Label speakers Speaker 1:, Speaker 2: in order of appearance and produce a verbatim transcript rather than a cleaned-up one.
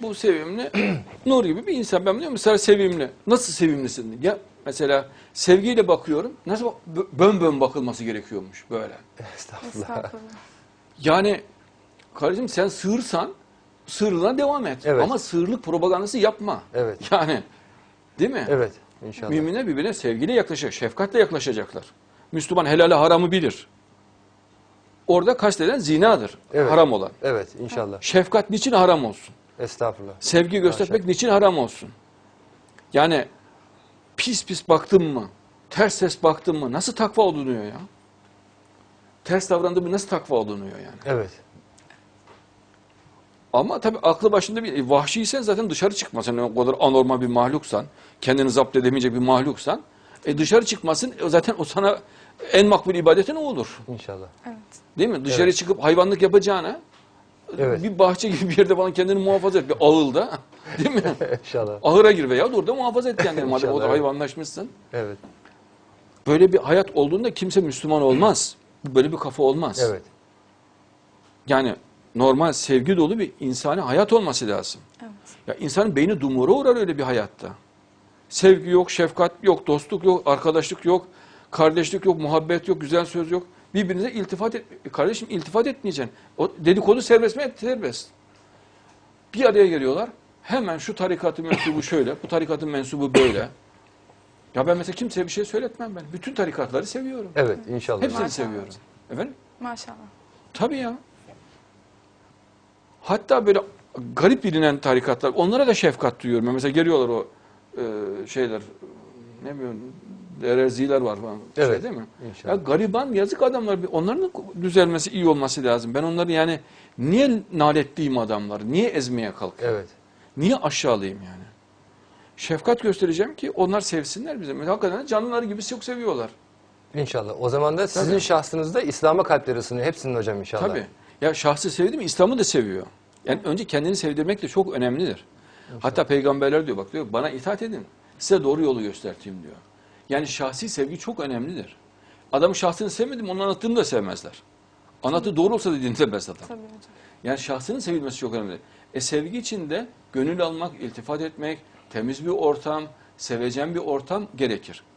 Speaker 1: bu sevimli Nur gibi bir insan. Ben diyorum mesela sevimli. Nasıl sevimlisin? Ya mesela sevgiyle bakıyorum. Nasıl bak- bön bön bakılması gerekiyormuş böyle.
Speaker 2: Estağfurullah.
Speaker 3: Estağfurullah.
Speaker 1: Yani kardeşim sen sığırsan sığırlığına devam et.
Speaker 2: Evet.
Speaker 1: Ama sığırlık propagandası yapma.
Speaker 2: Evet.
Speaker 1: Yani değil mi?
Speaker 2: Evet. İnşallah.
Speaker 1: Müminler birbirine sevgiyle yaklaşacak, şefkatle yaklaşacaklar. Müslüman helali haramı bilir. Orada kasteden zinadır,
Speaker 2: Evet.
Speaker 1: haram olan.
Speaker 2: Evet. İnşallah.
Speaker 1: Şefkat niçin haram olsun?
Speaker 2: Estağfurullah.
Speaker 1: Sevgi göstermek
Speaker 2: Maşallah.
Speaker 1: niçin haram olsun? Yani pis pis baktın mı, ters ters baktın mı nasıl takva olunuyor ya? Ters davrandın mı nasıl takva olunuyor yani?
Speaker 2: Evet.
Speaker 1: Ama tabii aklı başında bir vahşiysen zaten dışarı çıkmasın. Yani o kadar anormal bir mahluksan, kendini zapt edemeyecek bir mahluksan, e dışarı çıkmasın. E zaten o sana en makbul ibadeti ne olur?
Speaker 2: İnşallah.
Speaker 3: Evet.
Speaker 1: Değil mi? Dışarı
Speaker 2: Evet.
Speaker 1: çıkıp hayvanlık yapacağına
Speaker 2: Evet.
Speaker 1: bir bahçe gibi bir yerde falan kendini muhafaza et. Bir ağılda. Değil mi?
Speaker 2: İnşallah.
Speaker 1: Ahıra gir veya orada muhafaza et kendini. Madem
Speaker 2: İnşallah,
Speaker 1: orada
Speaker 2: evet.
Speaker 1: hayvanlaşmışsın.
Speaker 2: Evet.
Speaker 1: Böyle bir hayat olduğunda kimse Müslüman olmaz. Böyle bir kafa olmaz.
Speaker 2: Evet.
Speaker 1: Yani normal sevgi dolu bir insani hayat olması lazım.
Speaker 3: Evet.
Speaker 1: Ya insanın beyni dumura uğrar öyle bir hayatta. Sevgi yok, şefkat yok, dostluk yok, arkadaşlık yok, kardeşlik yok, muhabbet yok, güzel söz yok. Birbirinize iltifat et. Kardeşim iltifat etmeyeceksin. O dedikodu serbest mi? Serbest. Bir araya geliyorlar. Hemen şu tarikatın mensubu şöyle, bu tarikatın mensubu böyle. Ya ben mesela kimseye bir şey söyletmem ben. Bütün tarikatları seviyorum.
Speaker 2: Evet. İnşallah.
Speaker 1: Hepsini
Speaker 3: Maşallah.
Speaker 1: seviyorum. Efendim?
Speaker 3: Maşallah.
Speaker 1: Tabii ya. Hatta böyle garip bilinen tarikatlar, onlara da şefkat duyuyorum. Yani mesela geliyorlar o e, şeyler, ne bileyim, ereziler var falan. Şey
Speaker 2: Evet,
Speaker 1: değil mi?
Speaker 2: inşallah.
Speaker 1: Ya gariban, yazık adamlar. Onların da düzelmesi, iyi olması lazım. Ben onları yani niye naletliyim adamları? Niye ezmeye kalkıyorum?
Speaker 2: Evet.
Speaker 1: Niye aşağılayayım yani? Şefkat göstereceğim ki onlar sevsinler bizi. Mesela hakikaten canlıları gibi çok seviyorlar.
Speaker 2: İnşallah. O zaman da sizin
Speaker 1: Tabii.
Speaker 2: şahsınızda İslam'a kalpleri ısınıyor. Hepsinin hocam inşallah.
Speaker 1: Tabii. Ya şahsı sevdi mi İslam'ı da seviyor. Yani önce kendini sevdirmek de çok önemlidir. Hatta peygamberler diyor bak diyor bana itaat edin. Size doğru yolu göstereyim diyor. Yani şahsi sevgi çok önemlidir. Adamın şahsını sevmedim onun anlattığını da sevmezler. Anlattığı doğru olsa da dinlemez adam.
Speaker 3: Tabii hocam.
Speaker 1: Yani şahsının sevilmesi çok önemli. E sevgi için de gönül almak, iltifat etmek, temiz bir ortam, sevecen bir ortam gerekir.